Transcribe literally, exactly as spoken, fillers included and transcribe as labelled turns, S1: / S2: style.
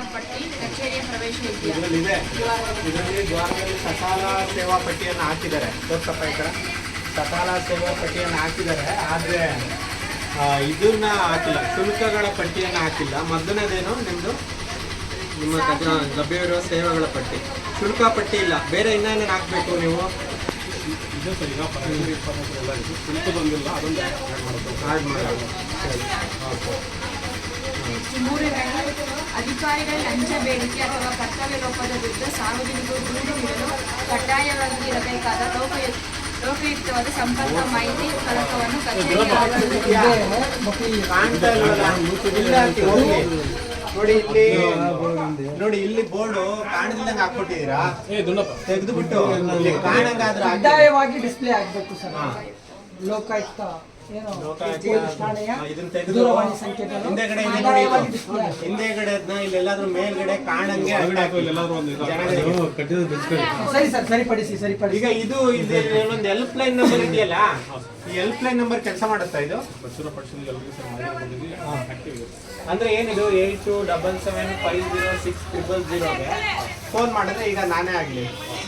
S1: ಪಟ್ಟಿ ಕಚೇರಿಯ ಪ್ರವೇಶ ಇದೆಯಾ?
S2: ಇದರಲ್ಲಿದೆ. ಇದರಲ್ಲಿ ದ್ವಾರದಲ್ಲಿ ಸಕಾಲ ಸೇವಾ ಪಟ್ಟಿಯನ್ನು ಹಾಕಿದ್ದಾರೆ. ತೋರ್ಸಪ್ಪ ಈ ಕಡೆ ಸಕಾಲ ಸೇವಾ ಪಟ್ಟಿಯನ್ನು ಹಾಕಿದ್ದಾರೆ. ಆದರೆ ಇದನ್ನ ಹಾಕಿಲ್ಲ, ಶುಲ್ಕಗಳ ಪಟ್ಟಿಯನ್ನು ಹಾಕಿಲ್ಲ. ಮೊದಲನೇದೇನು ನಿಮ್ಮದು ನಿಮ್ಮ ಹತ್ರ ಲಭ್ಯವಿರುವ ಸೇವೆಗಳ ಪಟ್ಟಿ, ಶುಲ್ಕ ಪಟ್ಟಿ ಇಲ್ಲ. ಬೇರೆ ಇನ್ನೇನೇನು ಹಾಕಬೇಕು ನೀವು?
S3: ಇದೆ ಸರ್, ಈಗ ಪರಸ್ಪರ ಇಪ್ಪತ್ತೈದು ಎಲ್ಲ ಇದೆ, ಶುಲ್ಕ ಬಂದಿಲ್ಲ, ಅದೊಂದು ಆ್ಯಡ್ ಮಾಡೋದು.
S2: ಆ್ಯಡ್ ಮಾಡೋದು. ಸರಿ, ಓಕೆ.
S1: ಮೂರನೇದು, ಅಧಿಕಾರಿಗಳ ಲಂಚ ಬೇಡಿಕೆ ಅಥವಾ ಕರ್ತವ್ಯ ಲೋಪದ ವಿರುದ್ಧ ಸಾರ್ವಜನಿಕರು ದೂರು ನೀಡಲು ಕಡ್ಡಾಯವಾಗಿ ಇರಬೇಕಾದ ಲೋಕಾಯುಕ್ತ ಲೋಕಯುಕ್ತವಾದ ಸಂಪರ್ಕ ಮಾಹಿತಿ ಫಲಕವನ್ನು ಕಚೇರಿ
S2: ಕಾಣ್ತಾ ಇಲ್ವಲ್ಲ? ಇಲ್ಲಿ ಹಾಕಿ ಹೋಗಿ. ನೋಡಿ ಇಲ್ಲಿ, ನೋಡಿ ಇಲ್ಲಿ ಬೋರ್ಡು ಕಾಣದಿಲ್ಲಂಗೆ ಹಾಕ್ಬಿಟ್ಟಿದ್ದೀರಾ. ತೆಗೆದು ಬಿಟ್ಟು ಇಲ್ಲಿ ಕಾಣಂಗಾದ್ರೆ
S4: ಕಡ್ಡಾಯವಾಗಿ ಡಿಸ್ಪ್ಲೇ ಆಗಬೇಕು ಸರ್. ಲೋಕಾಯುಕ್ತ ಏನು
S2: ಇದನ್ನ ತೆಗೆದು ಹಿಂದೆಗಡೆ ಹಿಂದೆಗಡೆ ಅದನ್ನ ಇಲ್ಲೆಲ್ಲಾದ್ರೂ ಮೇಲ್ಗಡೆ ಕಾಣಂಗೆ
S4: ಸರಿ ಸರ್, ಸರಿಪಡಿಸಿ ಸರಿಪಡಿಸಿ.
S2: ಈಗ ಇದು ಒಂದು ಹೆಲ್ಪ್ ಲೈನ್ ನಂಬರ್ ಇದೆಯಲ್ಲ, ಈ ಹೆಲ್ಪ್ ಲೈನ್ ನಂಬರ್ ಕೆಲಸ ಮಾಡುತ್ತಾ ಇದು? ಅಂದ್ರೆ ಏನಿದು eight two double seven five zero six triple ಜೀರೋಗೆ ಫೋನ್ ಮಾಡಿದ್ರೆ ಈಗ ನಾನೇ ಆಗಲಿ